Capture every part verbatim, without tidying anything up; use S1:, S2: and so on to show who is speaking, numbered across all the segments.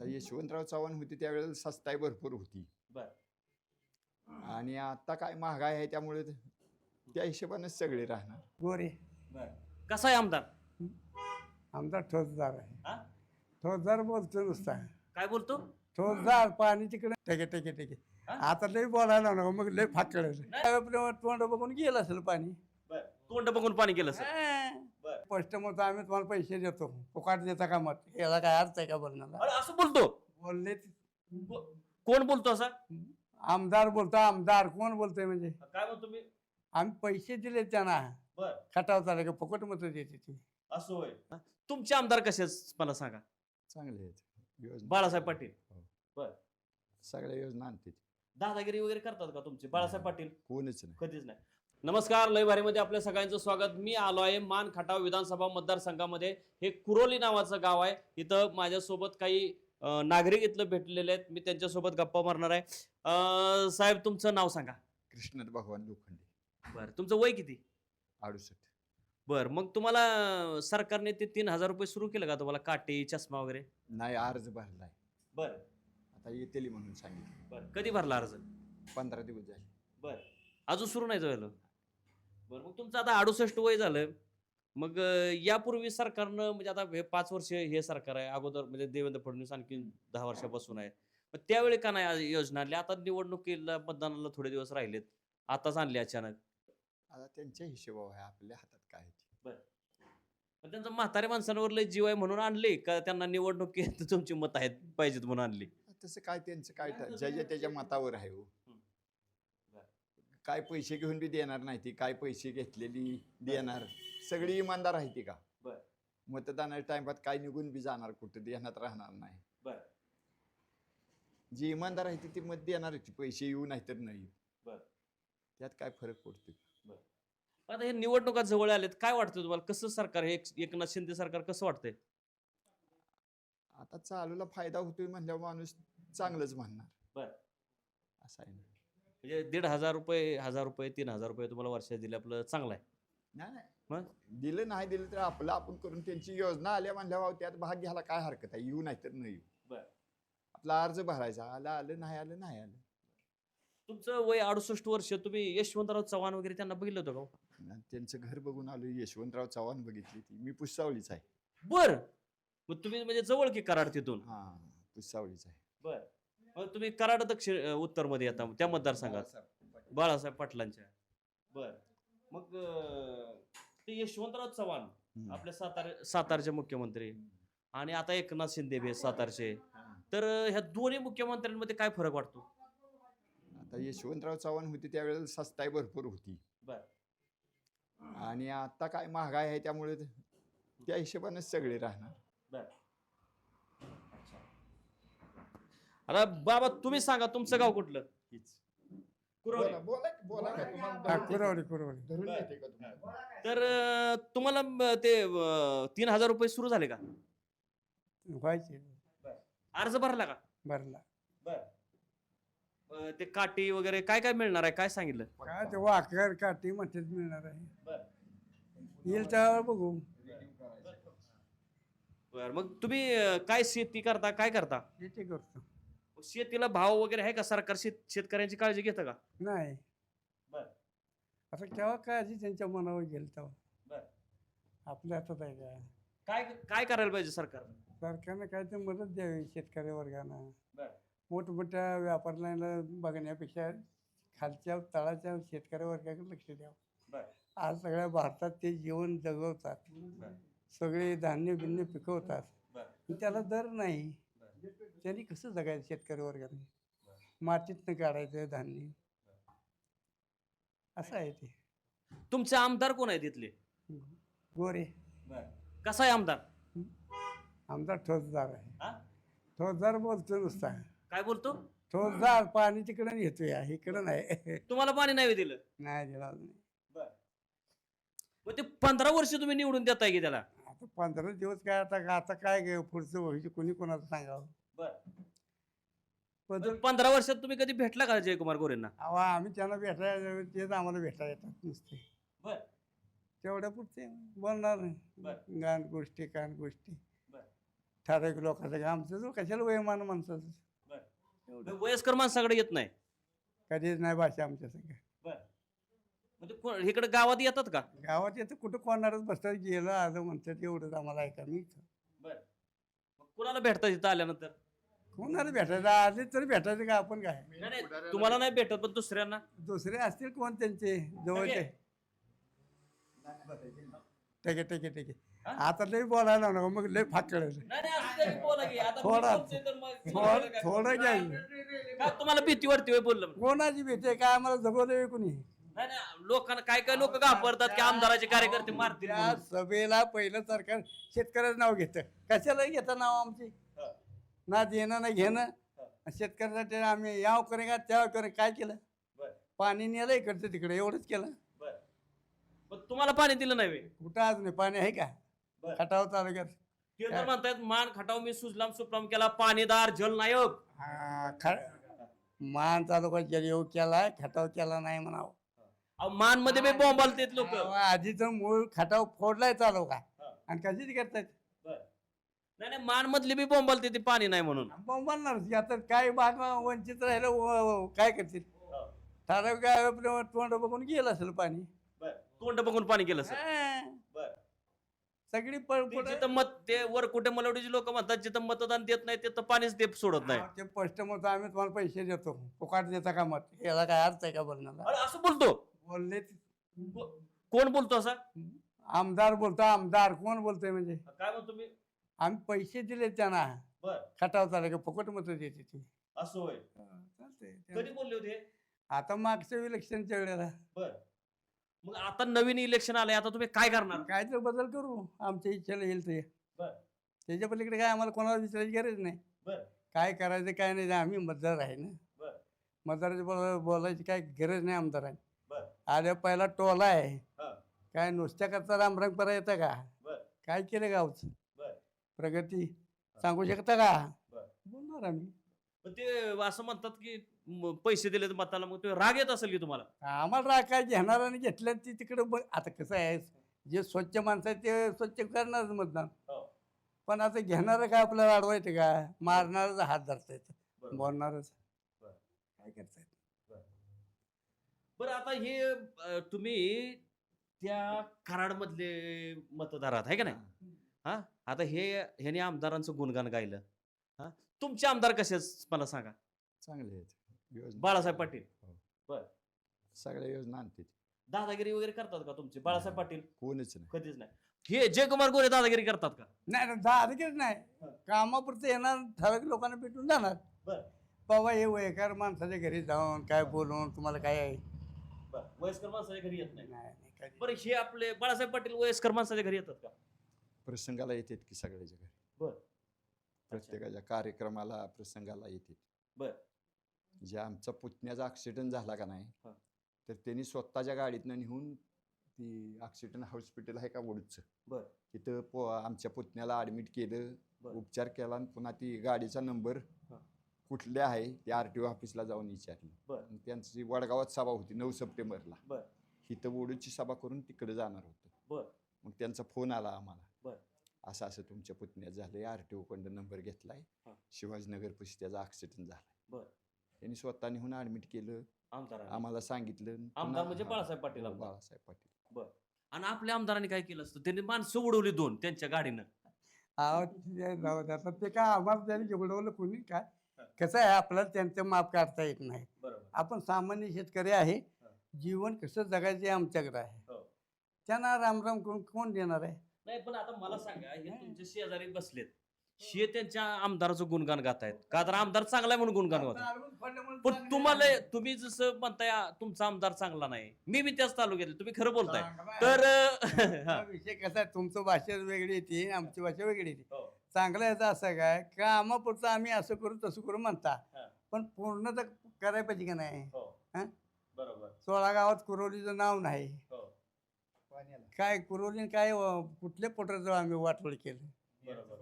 S1: आता यशवंतराव चव्हाण होते त्यावेळेला सस्ताई भरपूर होती.
S2: बर
S1: आणि आता काय महागाई आहे त्यामुळे त्या हिशोबानेच सगळे राहणार.
S3: गोरे
S2: बर कसा आहे आमदार?
S3: आमचा ठोसदार आहे.
S2: हा?
S3: ठोसदार बोलतो नुसता.
S2: काय बोलतो?
S3: ठोसदार पाणी तिकडे टेके टेके टेके.
S2: हा?
S3: आता लय बोलायला नको मग लय फाकड तोंड बघून गेलं असेल पाणी.
S2: बर तोंड बघून पाणी केलं सर. बर
S3: स्पष्ट मत आम्ही तुम्हाला पैसे देतो फुकाट देता का मत याला काय अर्थ आहे का बोलण्याला?
S2: अरे असं बोलतो?
S3: बोलले
S2: को- कोण बोलतो असा?
S3: आमदार बोलतो आमदार कोण बोलतोय म्हणजे
S2: काय म्हणतो मी?
S3: आम्ही पैसे दिले त्यांना
S2: बर
S3: खटाव चालले का फुकट मत देते ती.
S2: असं होय. तुमचे आमदार कसे आहेत मला सांगा?
S1: चांगले आहेत योजना.
S2: बाळासाहेब पाटील.
S1: हो.
S2: बर
S1: सगळ्या योजना आणते
S2: दादागिरी वगैरे करतात का तुमचे बाळासाहेब पाटील?
S1: कोणच नाही.
S2: कधीच नाही. नमस्कार, लय भारीमध्ये आपल्या सगळ्यांचं स्वागत. मी आलो आहे मान खटाव विधानसभा मतदारसंघामध्ये. हे कुरोली नावाचं गाव आहे. इथं माझ्यासोबत काही अं, नागरिक इथलं भेटलेले आहेत. मी त्यांच्यासोबत गप्पा मारणार आहे. अं, साहेब तुमचं नाव सांगा.
S1: कृष्णात भगवान लोखंडे.
S2: बरं तुमचं वय किती?
S1: अडुसष्ट.
S2: बरं मग तुम्हाला सरकारने ते तीन हजार रुपये सुरू केलं का तुम्हाला काटे चष्मा वगैरे?
S1: नाही अर्ज भरलाय.
S2: बरं
S1: आता येतेली म्हणून सांगितलं.
S2: बरं कधी भरला अर्ज?
S1: पंधरा दिवस झाले.
S2: बरं अजून सुरू नाही झालं? बरं मग तुमचं आता अडुसष्ट वय झालं. मग अं, यापूर्वी सरकारनं म्हणजे आता हे पाच वर्ष हे सरकार आहे, अगोदर म्हणजे देवेंद्र फडणवीस आणखी दहा वर्षापासून आहे. मग त्यावेळी का नाही आज योजना आणली? आता निवडणुकीला मतदानाला थोडे दिवस राहिलेत, आताच आणले अचानक.
S1: आता त्यांच्या हिशोबावर आहे आपल्या हातात काय आहे ते.
S2: पण त्यांचं म्हाताऱ्या माणसांवर लय जीव आहे म्हणून आणले का त्यांना निवडणुकीत तुमची मत आहेत पाहिजेत म्हणून आणली?
S1: तसं काय त्यांचं काय ठ- ज्याच्या त्याच्या मतावर आहे हो.
S2: हम्म. बरं.
S1: काय पैसे घेऊन बी देणार नाही ती, काय पैसे घेतलेली देणार. सगळी इमानदार आहे ती का?
S2: बरं.
S1: मतदानाच्या टाइमात काय निघून बी जाणार कुठं देण्यात राहणार नाही.
S2: बरं.
S1: जी इमानदार आहे ती ती मत देणार होती, पैसे येऊ नाही तर नाही.
S2: बरं.
S1: त्यात काय फरक पडतो?
S2: आता हे निवडणुका जवळ आलेत, काय वाटतं तुम्हाला? कसं सरकार हे एकनाथ शिंदे सरकार कसं वाटतंय?
S1: आता चालूला फायदा होतोय म्हणल्यावर माणूस चांगलंच म्हणणार.
S2: बरं.
S1: असं आहे ना.
S2: म्हणजे दीड हजार रुपये हजार रुपये तीन हजार रुपये तुम्हाला वर्षात दिले आपलं चांगलं आहे.
S1: नाही नाही
S2: मग
S1: दिलं नाही दिलं तर आपलं आपण करून त्यांची योजना आल्या म्हणल्यावर त्यात भाग घ्यायला काय हरकत आहे? येऊ नाही तर नाही येऊ.
S2: बरं.
S1: आपला अर्ज भरायचा, आलं आलं नाही आलं नाही आलं.
S2: तुमचं वय अडुसष्ट वर्ष, तुम्ही यशवंतराव चव्हाण वगैरे त्यांना बघितलं होतं का हो?
S1: आणि त्यांचं घर बघून आलो. यशवंतराव चव्हाण बघितली ती. मी पुसावळीच आहे.
S2: बर मग तुम्ही म्हणजे जवळ की कराड तिथून?
S1: हा पुसावळीच आहे.
S2: बर मग तुम्ही कराड दक्षिण उत्तर मध्ये येता त्या मतदारसंघात बाळासाहेब पाटलांच्या. बर मग अं, ते यशवंतराव चव्हाण
S1: हम्म.
S2: आपल्या सातारा सातारचे मुख्यमंत्री आणि आता एकनाथ शिंदे बी आहेत सातारचे.
S1: हा.
S2: तर अं, ह्या दोन्ही मुख्यमंत्र्यांमध्ये काय फरक वाटतो?
S1: आता यशवंतराव चव्हाण होते त्यावेळेला सस्ताई भरपूर होती.
S2: बर
S1: आणि आता काय महागाई आहे त्यामुळे त्या हिशोबानेच सगळे राहणार.
S2: बर आता बाबा तुम्ही सांगा तुमचं गाव कुठलं?
S1: हीच.
S2: कुरोली.
S1: बोला बोला बोला का तुम्हाला
S3: हा,
S1: धरून
S3: कुरवडी कुरवडी
S1: धरून घेते का तुम्हाला?
S2: तर अं, तुम्हाला अं, ते अं, तीन हजार रुपये सुरू झाले का?
S3: व्हायचे
S2: अर्ज भरला का?
S3: भरला.
S2: अं, ते काठी वगैरे काय काय मिळणार आहे काय सांगितलं?
S3: काय ते वाकर काठी म्हणतेच मिळणार आहे. येईल त्यावर बघू.
S2: बर मग तुम्ही अं, काय शेती करता काय करता?
S3: शेती करतो.
S2: शेतीला भाव वगैरे आहे का? सरकार शेत शेतकऱ्यांची काळजी घेतं का?
S3: नाही
S2: बर
S3: आता केव्हा काळजी त्यांच्या मनावर गेल तेव्हा
S2: बर
S3: आपल्या हातात आहे का?
S2: काय काय करायला पाहिजे सरकार?
S3: सरकारनं काय ते मदत द्यावी शेतकरी वर्गांना.
S2: बर
S3: मोठमोठ्या व्यापाऱ्यांना बघण्यापेक्षा खालच्या तळाच्या शेतकरी वर्गाकडे लक्ष द्यावं.
S2: बर
S3: आज सगळ्या भारतात ते जीवन जगवतात.
S2: बर
S3: सगळे धान्य बिन्य पिकवतात.
S2: बर
S3: पण त्याला दर नाही. त्यांनी कसं जगायचं शेतकरी वर्गाने? मातीतनं काढायचं धान्य असं आहे ते.
S2: तुमचे आमदार कोण आहेत तिथले?
S3: गोरे
S2: कसा आहे आमदार?
S3: आमचा ठोसदार आहे.
S2: हा?
S3: ठोसदार बोलतो नुसता.
S2: काय बोलतो?
S3: ठोसदार पाणी तिकडं येतोय इकडं नाही.
S2: तुम्हाला पाणी नाही दिलं?
S3: नाही दिला नाही.
S2: मग ते पंधरा वर्ष तुम्ही निवडून देताय की त्याला?
S3: आता पंधरा दिवस काय आता आता काय गे पुढचं भविष्य कोणी कोणाचं सांगावं. बदल
S2: पंधरा वर्षात तुम्ही कधी भेटला का जयकुमार गोरेंना?
S3: अहो आम्ही त्यांना भेटायला तेच आम्हाला भेटायला येतात नुसते.
S2: बर
S3: तेवढ्या पुरते बोलणार
S2: बर.
S3: नाही. गाण गोष्टी कान गोष्टी ठराविक लोकांचं का आमचं जो कशाला वयमान माणसाचं एवढं
S2: वयस्कर माणसाकडे येत नाही
S3: कधीच नाही भाषा आमच्या सगळ्या
S2: म्हणजे को- इकडे गावात येतात का?
S3: गावात येतं कुठं कोणालाच बसतात गेलं आलं म्हणतात एवढंच आम्हाला ऐका मी
S2: मग कुणाला भेटतात इथं आल्यानंतर?
S3: कोणाला भेटायचं आले तरी भेटायचं का आपण काय
S2: नाही, नाही, तुम्हाला नाही भेटत पण दुसऱ्यांना
S3: दुसरे असतील कोण त्यांचे जवळचे ठीक आहे ठीक आहे ठीक आहे आता लई बोलायला नको मग लई फाक कळेल
S2: नाही, नाही, असं तरी बोला की. आता मी
S3: थोडा-
S2: बोलतोय तर मग
S3: थोडं
S2: तुम्हाला काय?
S3: थोडं घ्यायचं
S2: का तुम्हाला भीती वाटते होय बोललं म्हणून?
S3: कोणाची भीती आहे? काय आम्हाला जगवलं कुणी
S2: नाही नाही लोकांना काय काय लोक घाबरतात की आमदाराचे कार्यकर्ते मारतील
S3: त्या
S2: म्हणून.
S3: सभेला पहिलं सरकार शेतकऱ्याचं नाव घेतं कशाला घेतं नाव आमची
S2: हा.
S3: ना देणं ना घेणं शेतकऱ्यासाठी आम्ही याव करे का त्याव करे काय केलं
S2: बरं.
S3: पाणी नेलं इकडचं तिकडे एवढंच केलं
S2: बरं. पण तुम्हाला पाणी दिलं नाही बे.
S3: कुठं अजून पाणी आहे का
S2: बरं.
S3: खटाव तालुक्यात
S2: ते तर म्हणतायत मान खटाव मी सुजलाम सुफलाम केला पाणीदार जलनायक.
S3: हा, ख- मान तालुका जलयोग केलाय खटाव केला नाही म्हणावं
S2: अहो, मान मध्ये बी बॉम्ब आलतेत लोक.
S3: आधीच मूळ खटाव फोडलाय तालुका
S2: हा.
S3: आणि कशीच करतायत
S2: नाही नाही मान मधली बी बॉम्ब आलते ते पाणी नाही म्हणून.
S3: बोंबालणार आता काय भाग वंचित राहिलं व- व- काय करतील ठराविक काय आपलं तोंड बघून गेलं असेल पाणी
S2: तोंड बघून पाणी केलं सर.
S3: हा. सगळी पळ
S2: ते
S3: पुढं-
S2: जिथं मत ते वर कुठे मलवडीचे लोक म्हणतात जिथं मतदान देत नाही तिथं पाणीच ते सोडत नाही.
S3: हा, ते स्पष्ट मत आम्ही तुम्हाला पैसे देतो फुकाट देता का मत याला काय अर्थ आहे का बोलण्याला
S2: अरे असं बोलतो
S3: बोलले
S2: को- कोण बोलतो असा?
S3: आमदार बोलतो आमदार कोण बोलतोय म्हणजे
S2: काय म्हणतो मी?
S3: आम्ही पैसे दिले त्यांना
S2: बर
S3: खटाव चालले का फुकट मत देते ती
S2: असं होय.
S3: चालतंय.
S2: कधी बोलले होते?
S3: आता मागच्या इलेक्शनच्या वेळेला
S2: बर मग आता नवीन इलेक्शन आलंय आता तुम्ही काय करणार?
S3: काय तर बदल करू आमच्या इच्छेला येईल ते
S2: बर
S3: त्याच्या पलीकडे काय आम्हाला कोणाला विचारायची गरज नाही
S2: बर
S3: काय करायचं काय नाही आम्ही मतदार आहे ना
S2: बर
S3: मतदाराची बोला बोलायची काय गरज नाही आमदारांनी
S2: बर
S3: आल्या पहिला टोला आहे
S2: हा.
S3: काय नुसत्या करता रामरंग परा येतं का
S2: बर
S3: काय केलं गावचं
S2: बर
S3: प्रगती सांगू शकता का
S2: बर.
S3: बोलणार आम्ही
S2: पण ते असं म्हणतात की म- पैसे दिले तर मताला मग ते राग येत असेल की तुम्हाला?
S3: आम्हाला राग काय घेणाराने घेतलं ती तिकडे आता कसं आहे जे स्वच्छ माणसं आहे ते स्वच्छ करणारच मतदान
S2: हो.
S3: पण आता घेणारं काय आपल्याला अडवायचं का मारणारच हात धरता येतं
S2: बरोबर.
S3: बोलणारच
S2: बर.
S3: काय करतायत
S2: बरं आता हे अं, तुम्ही त्या कराड मधले मतदार आहात आहे का नाही? हा आता हे ह्याने आमदारांचं गुणगान गायलं. हा तुमचे आमदार कसे आहेत मला सांगा.
S1: चांगले आहेत योजना
S2: बाळासाहेब पाटील
S1: सगळ्या योजना आणते
S2: दादागिरी वगैरे करतात का तुमचे बाळासाहेब पाटील?
S1: कोणच नाही
S2: कधीच नाही. हे जयकुमार गोरे दादागिरी करतात का?
S3: नाही नाही, दादागिरी नाही कामापुरतं येणार ठराविक लोकांना भेटून जाणार
S2: बर
S3: बाबा हे वयकार माणसाच्या घरी जाऊन काय बोलून तुम्हाला काय आहे
S2: बर वयस्कर माणसाच्या घरी येत नाही.
S3: नाही, नाही, कधी.
S2: बरं हे आपले बाळासाहेब पाटील वयस्कर माणसाच्या घरी येतात का?
S1: प्रसंगाला येतात की सगळ्याच्या घरी
S2: बर
S1: प्रत्येकाच्या कार्यक्रमाला प्रसंगाला येते
S2: बर
S1: जे आमचा पुतण्याचा ऍक्सिडेंट झाला का नाही
S2: हा.
S1: तर त्यांनी स्वतःच्या गाडीतनं नेऊन ती ऍक्सिडेंट हॉस्पिटल आहे का वडूचं
S2: बर
S1: तिथं पो आमच्या पुतण्याला ऍडमिट केलं
S2: बरं.
S1: उपचार केला आणि पुन्हा ती गाडीचा नंबर
S2: हा.
S1: कुठले आहे ते आर टी ओ ऑफिसला जाऊन विचारलं
S2: बरं.
S1: आणि त्यांची वडगावात सभा होती नऊ सप्टेंबरला
S2: बर
S1: इथं वडूची सभा करून तिकडे जाणार होतं
S2: बर
S1: मग त्यांचा फोन आला आम्हाला
S2: बरं.
S1: असं असं तुमच्या पुतण्यात झालंय आर टी ओ कडनं नंबर घेतलाय
S2: हा.
S1: शिवाजीनगर पशी त्याचा ऍक्सिडेंट झालाय
S2: बरं.
S1: त्यांनी स्वतः नेऊन ऍडमिट केलं
S2: आमदार
S1: आम्हाला सांगितलं पुन्हा-
S2: आमदार म्हणजे
S1: हा.
S2: बाळासाहेब पाटील
S1: हो,
S2: आमदार.
S1: बाळासाहेब पाटील
S2: आणि आपल्या आमदारांनी काय केलं असतं त्यांनी माणसं उडवली दोन त्यांच्या गाडीनं.
S3: अहो, ते जाऊ दे. आता ते काय आम्हाला त्यांनी जेवढवलं कोणी काय कसं आहे आपल्याला त्यांचं माप काढता येत नाही
S2: बरोबर
S3: आपण सामान्य शेतकरी आहे जीवन कसं जगायचं हे आमच्याकडे आहे
S2: हो.
S3: त्यांना रामराम करून कोण देणार आहे
S2: नाही पण आता मला सांगा हे तुमचे शेजारी बसलेत हे त्यांच्या आमदाराचं गुणगान गातायत का तर आमदार चांगला आहे म्हणून गुणगान गातात. पण तुम्हाला तुम्ही जसं म्हणताय आ, तुमचा आमदार चांगला नाही मी बी त्याच तालुक्यात तुम्ही खरं बोलताय तर
S3: हा विषय कसा आहे तुमचं भाषा वेगळी येते आमची भाषा वेगळी येते
S2: हो.
S3: चांगलं याचं असं काय कामापुरतं आम्ही असं करू तसं करू म्हणता
S2: हा.
S3: पण पूर्ण तर करायला पाहिजे का नाही
S2: हो.
S3: हा?
S2: बरोबर
S3: सोळा गावात कुरोलीचं नाव नाही
S2: हो.
S3: काय कुरोली काय अं, कुठल्या पोटाचं आम्ही वाटोळ केलं
S2: बरोबर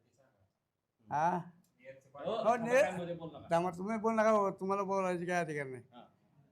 S3: हा
S2: हो,
S3: हो,
S2: आता
S3: ने-
S2: काय मध्ये बोलू नका.
S3: त्यामुळे तुम्ही बोल नका हो, तुम्हाला बोलायची काय अधिकार नाही
S2: हा.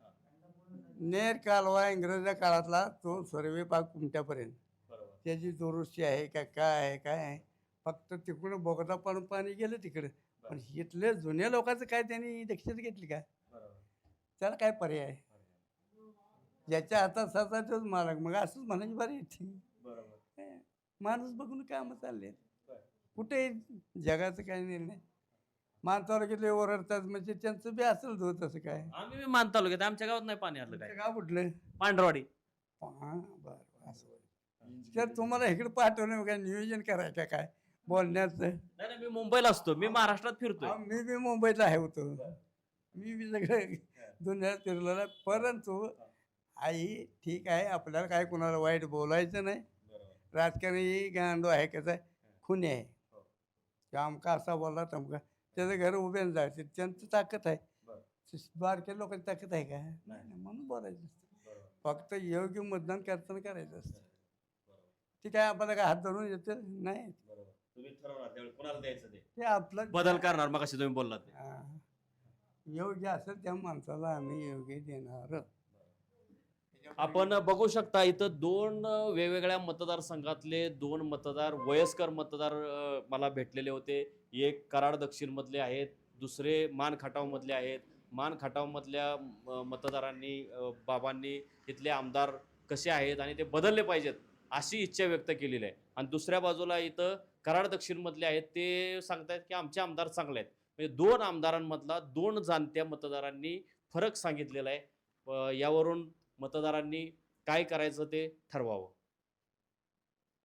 S3: नेर कालवा इंग्रजाच्या काळातला तो सर्वे पाक कुमट्यापर्यंत
S2: बरोबर
S3: त्याची दुरुस्ती आहे का काय आहे काय आहे फक्त तिकडून बोगदा पाडून पाणी गेलं तिकडे. पण इथले जुन्या लोकांचं काय त्यांनी दक्षता घेतली का? त्याला काय पर्याय आहे? ज्याच्या हातात साचा तोच मालक. मग असंच म्हणायची बरी येते. माणूस बघून कामं चालले कुठे जगाचं काय निर्णय. मान तालुक्यातले ओरडतात म्हणजे त्यांचं बी असेल धो तसं काय.
S2: आम्ही बी मान तालुक्यात आमच्या गावात नाही पाणी आलं काय.
S3: गाव कुठलं?
S2: पांढरवाडी.
S3: हा बरं असं. तर तुम्हाला इकडे पाठवलं काय नियोजन करायचं काय बोलण्याचं?
S2: नाही नाही, मी मुंबईला असतो, मी महाराष्ट्रात फिरतोय.
S3: हा, मी बी मुंबईत आहे होतो. मी बी सगळं दुनियात फिरलेला. परंतु आई ठीक आहे, आपल्याला काय कुणाला वाईट बोलायचं नाही. राजकारणी गांडो आहे कसं खुनी आहे. आमका असा बोलला तमका त्याचं घर उभे जायचं त्यांचं ताकद आहे. बारक्या लोकांची ताकद आहे का? नाही, म्हणून बोलायचं असतं. फक्त योग्य मतदान करताना करायचं असतं. ठीक आहे, आपल्याला काय हात धरून येतं नाही.
S2: तुम्ही ठरवणार त्यावेळी कोणाला द्यायचं ते.
S3: ते आपलं
S2: बदल करणार मग अशी तुम्ही बोललात ते.
S3: हा. योग्य असेल त्या माणसाला आम्ही योग्य देणार.
S2: आपण बघू शकता इथं दोन वेगवेगळ्या मतदारसंघातले दोन मतदार वयस्कर मतदार अ, मला भेटलेले होते. एक कराड दक्षिण मधले आहेत, दुसरे मान खटाव मधले आहेत. मान खटाव मधल्या म- मतदारांनी अ, बाबांनी इथले आमदार कसे आहेत आणि ते बदलले पाहिजेत अशी इच्छा व्यक्त केलेली आहे. आणि दुसऱ्या बाजूला इथं कराड दक्षिण मधले आहेत, ते सांगतायत की आमचे आमदार चांगले आहेत. म्हणजे दोन आमदारांमधला दोन जाणत्या मतदारांनी फरक सांगितलेला आहे. अ, यावरून मतदारांनी काय करायचं ते ठरवावं.